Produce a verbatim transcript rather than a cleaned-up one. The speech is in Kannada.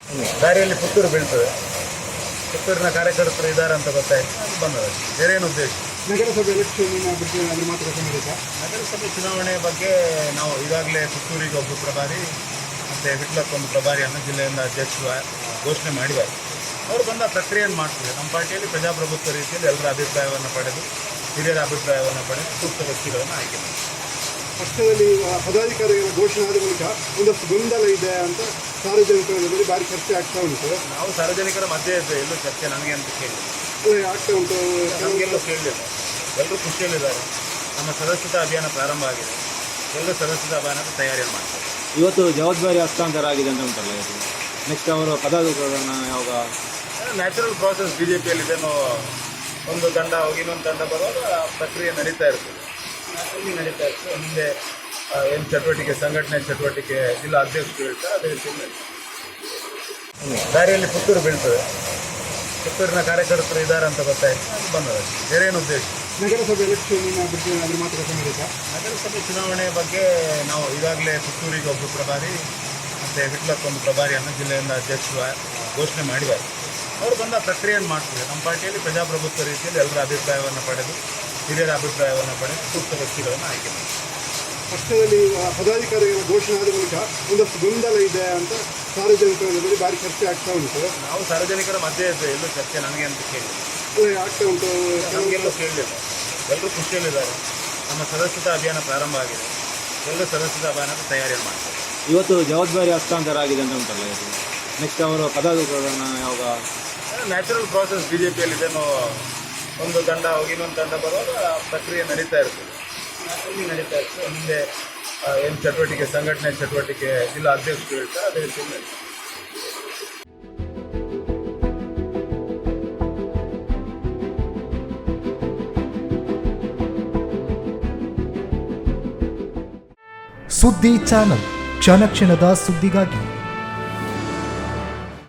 ದಾರಿಯಲ್ಲಿ ಪುತ್ತೂರು ಬೀಳ್ತದೆ. ಪುತ್ತೂರಿನ ಕಾರ್ಯಕರ್ತರು ಇದ್ದಾರೆ ಅಂತ ಗೊತ್ತಾಯ್ತು, ಬಂದದ್ದು. ಬೇರೇನು ಉದ್ದೇಶ? ನಗರಸಭೆ ಎಲೆಕ್ಷನ್ ಬಗ್ಗೆ ಅದ್ರ ಮಾತುಕತೆ ಮಾಡಿದ್ದ. ನಗರಸಭೆ ಚುನಾವಣೆ ಬಗ್ಗೆ ನಾವು ಈಗಾಗಲೇ ಪುತ್ತೂರಿಗೆ ಒಬ್ಬ ಪ್ರಭಾರಿ ಮತ್ತು ವಿಟ್ಲಕ್ಕೊಂದು ಪ್ರಭಾರಿಯನ್ನು ಜಿಲ್ಲೆಯಿಂದ ಅಧ್ಯಕ್ಷರು ಘೋಷಣೆ ಮಾಡಿದ್ದಾರೆ. ಅವರು ಬಂದ ಪ್ರಕ್ರಿಯೆಯನ್ನು ಮಾಡ್ತಾರೆ. ನಮ್ಮ ಪಾರ್ಟಿಯಲ್ಲಿ ಪ್ರಜಾಪ್ರಭುತ್ವ ರೀತಿಯಲ್ಲಿ ಎಲ್ಲರ ಅಭಿಪ್ರಾಯವನ್ನು ಪಡೆದು, ಹಿರಿಯರ ಅಭಿಪ್ರಾಯವನ್ನು ಪಡೆದು ಸೂಕ್ತ ವ್ಯಕ್ತಿಗಳನ್ನು ಆಯ್ಕೆ ಮಾಡಿ. ಪಕ್ಷದಲ್ಲಿ ಪದಾಧಿಕಾರಿಗಳ ಘೋಷಣೆ ಆದ ಬಳಿಕ ಒಂದಷ್ಟು ಗೊಂದಲ ಇದೆ ಅಂತ ಸಾರ್ವಜನಿಕರಲ್ಲಿ ಭಾರಿ ಚರ್ಚೆ ಆಗ್ತಾ ಉಂಟು. ನಾವು ಸಾರ್ವಜನಿಕರ ಮಧ್ಯೆ ಇದ್ದರೆ ಎಲ್ಲೂ ಚರ್ಚೆ ನನಗೆ ಅಂತ ಕೇಳಿ ಆಗ್ತಾ ಉಂಟು. ನಮಗೆಲ್ಲೂ ಕೇಳಲಿಲ್ಲ. ಎಲ್ಲರೂ ಖುಷಿಯಲ್ಲಿದ್ದಾರೆ. ನಮ್ಮ ಸದಸ್ಯತಾ ಅಭಿಯಾನ ಪ್ರಾರಂಭ ಆಗಿದೆ. ಎಲ್ಲರೂ ಸದಸ್ಯತಾ ಅಭಿಯಾನದ ತಯಾರಿಯನ್ನು ಮಾಡ್ತಾರೆ. ಇವತ್ತು ಜವಾಬ್ದಾರಿ ಹಸ್ತಾಂತರ ಆಗಿದೆ ಅಂತ ಉಂಟಲ್ಲ, ಇದು ನೆಕ್ಸ್ಟ್ ಅವರು ಪದಾಧಿಕಾರಿಗಳನ್ನ ಯಾವಾಗ? ನ್ಯಾಚುರಲ್ ಪ್ರಾಸೆಸ್ ಬಿ ಜೆ ಪಿಯಲ್ಲಿದೇನೋ, ಒಂದು ತಂಡ ಹೋಗಿ ಇನ್ನೊಂದು ತಂಡ ಬರುವಾಗ ಪ್ರಕ್ರಿಯೆ ನಡೀತಾ ಇರ್ತದೆ. ಅಲ್ಲಿ ನಡೀತಾ ಇರ್ತದೆ. ಮುಂದೆ ಏನು ಚಟುವಟಿಕೆ, ಸಂಘಟನೆ ಚಟುವಟಿಕೆ ಜಿಲ್ಲಾ ಅಧ್ಯಕ್ಷರು ಹೇಳ್ತಾರೆ, ಅದೇ ರೀತಿ ದಾರಿಯಲ್ಲಿ ಪುತ್ತೂರು ಬೀಳ್ತದೆ. ಪುತ್ತೂರಿನ ಕಾರ್ಯಕರ್ತರು ಇದ್ದಾರೆ ಅಂತ ಗೊತ್ತಾಯ್ತು, ಬಂದದ್ದು. ಬೇರೇನು ಉದ್ದೇಶ? ನಗರಸಭೆ ಎಲೆಕ್ಷನ್ ಬಗ್ಗೆ ಅದ್ರ ಮಾತುಕತೆ ಮಾಡಿದ್ದ. ನಗರಸಭೆ ಚುನಾವಣೆ ಬಗ್ಗೆ ನಾವು ಈಗಾಗಲೇ ಪುತ್ತೂರಿಗೆ ಒಬ್ಬ ಪ್ರಭಾರಿ ಮತ್ತು ವಿಟ್ಲಕ್ಕೊಂದು ಪ್ರಭಾರಿಯನ್ನು ಜಿಲ್ಲೆಯಿಂದ ಅಧ್ಯಕ್ಷರು ಘೋಷಣೆ ಮಾಡಿದ್ದಾರೆ. ಅವರು ಬಂದ ಪ್ರಕ್ರಿಯೆಯನ್ನು ಮಾಡ್ತಾರೆ. ನಮ್ಮ ಪಾರ್ಟಿಯಲ್ಲಿ ಪ್ರಜಾಪ್ರಭುತ್ವ ರೀತಿಯಲ್ಲಿ ಎಲ್ಲರ ಅಭಿಪ್ರಾಯವನ್ನು ಪಡೆದು, ಹಿರಿಯರ ಅಭಿಪ್ರಾಯವನ್ನು ಪಡೆದು ಸೂಕ್ತ ವ್ಯಕ್ತಿಗಳನ್ನು ಆಯ್ಕೆ ಮಾಡಿ. ಪಕ್ಷದಲ್ಲಿ ಪದಾಧಿಕಾರಿಗಳ ಘೋಷಣೆ ಆದ ಬಳಿಕ ಒಂದಷ್ಟು ಗೊಂದಲ ಇದೆ ಅಂತ ಸಾರ್ವಜನಿಕರಲ್ಲಿ ಭಾರಿ ಚರ್ಚೆ ಆಗ್ತಾ ಉಂಟು. ನಾವು ಸಾರ್ವಜನಿಕರ ಮಧ್ಯೆ ಇದ್ದರೆ ಎಲ್ಲೂ ಚರ್ಚೆ ನನಗೆ ಅಂತ ಕೇಳಿ ಆಗ್ತಾ ಉಂಟು. ನಮಗೆಲ್ಲೂ ಕೇಳಲಿಲ್ಲ. ಎಲ್ಲರೂ ಖುಷಿಯಲ್ಲಿದ್ದಾರೆ. ನಮ್ಮ ಸದಸ್ಯತಾ ಅಭಿಯಾನ ಪ್ರಾರಂಭ ಆಗಿದೆ. ಎಲ್ಲರೂ ಸದಸ್ಯತಾ ಅಭಿಯಾನದ ತಯಾರಿಯನ್ನು ಮಾಡ್ತಾರೆ. ಇವತ್ತು ಜವಾಬ್ದಾರಿ ಹಸ್ತಾಂತರ ಆಗಿದೆ ಅಂತ ಉಂಟಲ್ಲ, ಇದು ನೆಕ್ಸ್ಟ್ ಅವರು ಪದಾಧಿಕಾರಿಗಳನ್ನ ಯಾವಾಗ? ನ್ಯಾಚುರಲ್ ಪ್ರಾಸೆಸ್ ಬಿ ಜೆ ಪಿಯಲ್ಲಿದೇನೋ, ಒಂದು ತಂಡ ಹೋಗಿ ಇನ್ನೊಂದು ತಂಡ ಬರುವಾಗ ಪ್ರಕ್ರಿಯೆ ನಡೀತಾ ಇರ್ತದೆ. ಅಲ್ಲಿ ನಡೀತಾ ಇರ್ತದೆ. ಮುಂದೆ ಏನು ಚಟುವಟಿಕೆ, ಸಂಘಟನೆ ಚಟುವಟಿಕೆ ಜಿಲ್ಲಾ ಅಧ್ಯಕ್ಷರು ಹೇಳ್ತಾರೆ, ಅದೇ ರೀತಿ ನಡೀತದೆ. ಸುದ್ದಿ ಚಾನಲ್ ಕ್ಷಣ ಕ್ಷಣದ ಸುದ್ದಿಗಾಗಿ